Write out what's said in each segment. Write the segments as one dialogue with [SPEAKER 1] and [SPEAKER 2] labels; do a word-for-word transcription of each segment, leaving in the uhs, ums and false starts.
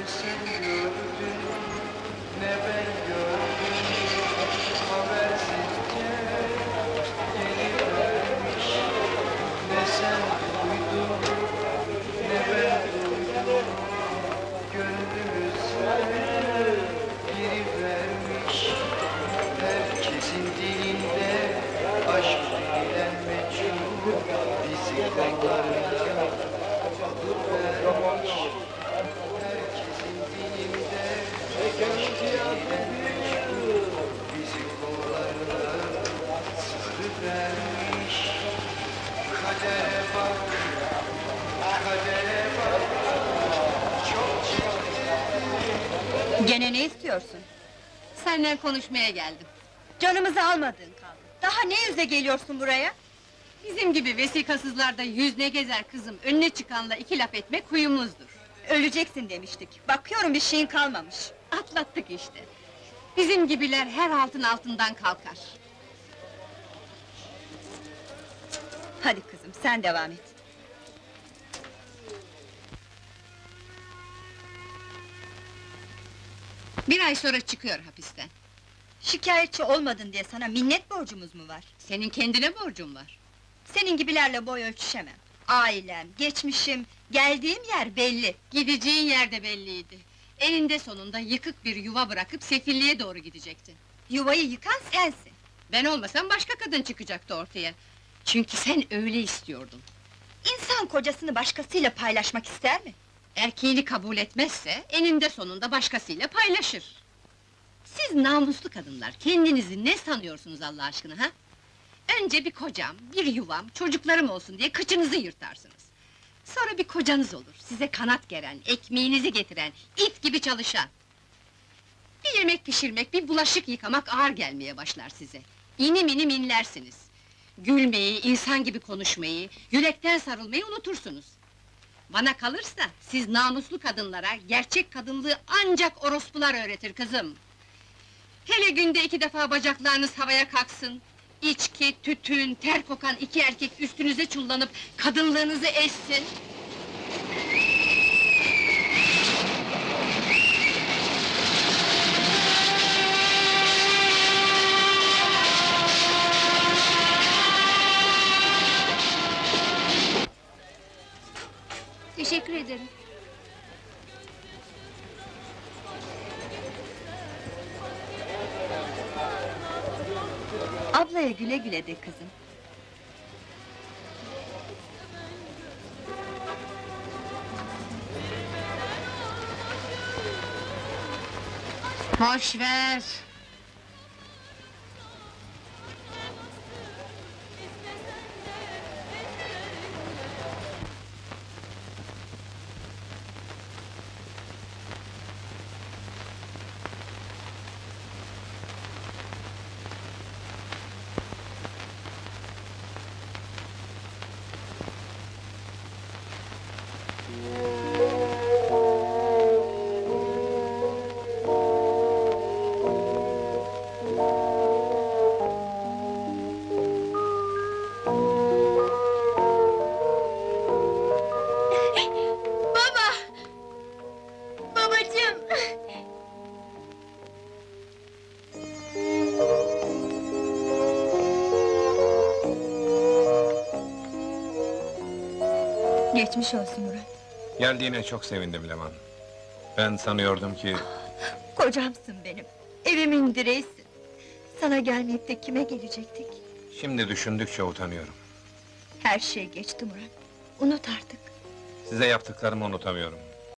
[SPEAKER 1] sen gördün, ne ben gördüm. Habersizce gelivermiş. Ne sen duydun, ne ben duydum. Gönlümüze girivermiş. Herkesin dilinde aşk denilen meçhul, bizi kollarına alıvermiş. Herkesin dilinde aşk denilen meçhul, bizi kollarına sarıvermiş. Kadere bak, kadere bak, çok çirkin.
[SPEAKER 2] Gene ne istiyorsun?
[SPEAKER 3] Seninle konuşmaya geldim.
[SPEAKER 2] Canımızı almadığın kaldı. Daha ne yüze geliyorsun buraya?
[SPEAKER 3] Bizim gibi vesikasızlarda yüz ne gezer kızım, önüne çıkanla iki laf etmek huyumuzdur.
[SPEAKER 2] Öleceksin demiştik. Bakıyorum bir şeyin kalmamış.
[SPEAKER 3] Atlattık işte. Bizim gibiler her altın altından kalkar.
[SPEAKER 2] Hadi kızım, sen devam et.
[SPEAKER 3] Bir ay sonra çıkıyor hapisten.
[SPEAKER 2] Şikayetçi olmadın diye sana minnet borcumuz mu var?
[SPEAKER 3] Senin kendine borcun var.
[SPEAKER 2] Senin gibilerle boy ölçüşemem. Ailem, geçmişim, geldiğim yer belli.
[SPEAKER 3] Gideceğin yerde belliydi. Eninde sonunda yıkık bir yuva bırakıp sefilliğe doğru gidecektin.
[SPEAKER 2] Yuvayı yıkan sensin.
[SPEAKER 3] Ben olmasam başka kadın çıkacaktı ortaya. Çünkü sen öyle istiyordun.
[SPEAKER 2] İnsan kocasını başkasıyla paylaşmak ister mi?
[SPEAKER 3] Erkeğini kabul etmezse, eninde sonunda başkasıyla paylaşır. Siz namuslu kadınlar, kendinizi ne sanıyorsunuz Allah aşkına ha? Önce bir kocam, bir yuvam, çocuklarım olsun diye kıçınızı yırtarsınız. Sonra bir kocanız olur, size kanat geren, ekmeğinizi getiren, it gibi çalışan. Bir yemek pişirmek, bir bulaşık yıkamak ağır gelmeye başlar size. İnim inim inlersiniz. Gülmeyi, insan gibi konuşmayı, yürekten sarılmayı unutursunuz. Bana kalırsa, siz namuslu kadınlara, gerçek kadınlığı ancak orospular öğretir kızım. Hele günde iki defa bacaklarınız havaya kalksın, içki, tütün, ter kokan iki erkek üstünüze çullanıp kadınlığınızı ezsin.
[SPEAKER 4] Teşekkür ederim.
[SPEAKER 2] Ablaya güle güle de kızım.
[SPEAKER 3] Boş ver!
[SPEAKER 4] Baba! Babacığım!
[SPEAKER 2] Geçmiş olsun Murat.
[SPEAKER 5] Geldiğine çok sevindim Leman. Ben sanıyordum ki...
[SPEAKER 2] Kocamsın benim. Evimin direğisin. Sana gelmeyip de kime gelecektik?
[SPEAKER 5] Şimdi düşündükçe utanıyorum.
[SPEAKER 2] Her şey geçti Murat. Unut artık.
[SPEAKER 5] Size yaptıklarımı unutamıyorum.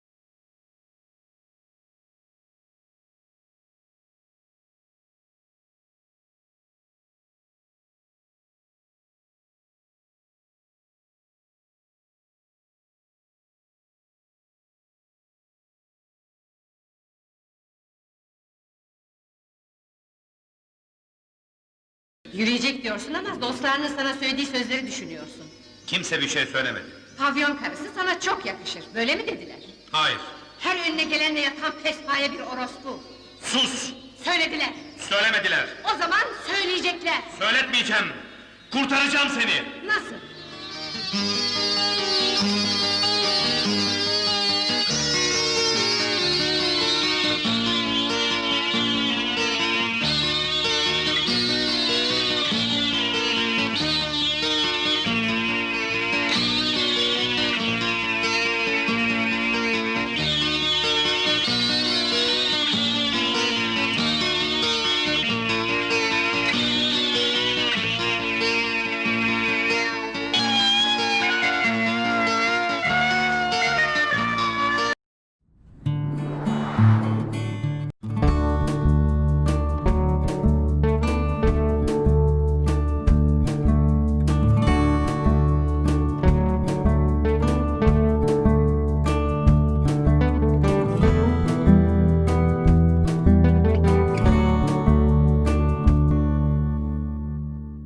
[SPEAKER 3] Yürüyecek diyorsun ama dostlarının sana söylediği sözleri düşünüyorsun.
[SPEAKER 6] Kimse bir şey söylemedi.
[SPEAKER 3] Pavyon karısı sana çok yakışır, böyle mi dediler?
[SPEAKER 6] Hayır.
[SPEAKER 3] Her önüne gelenle yatan pespaye bir orospu.
[SPEAKER 6] Sus!
[SPEAKER 3] Söylediler.
[SPEAKER 6] Söylemediler.
[SPEAKER 3] O zaman söyleyecekler.
[SPEAKER 6] Söyletmeyeceğim. Kurtaracağım seni.
[SPEAKER 3] Nasıl?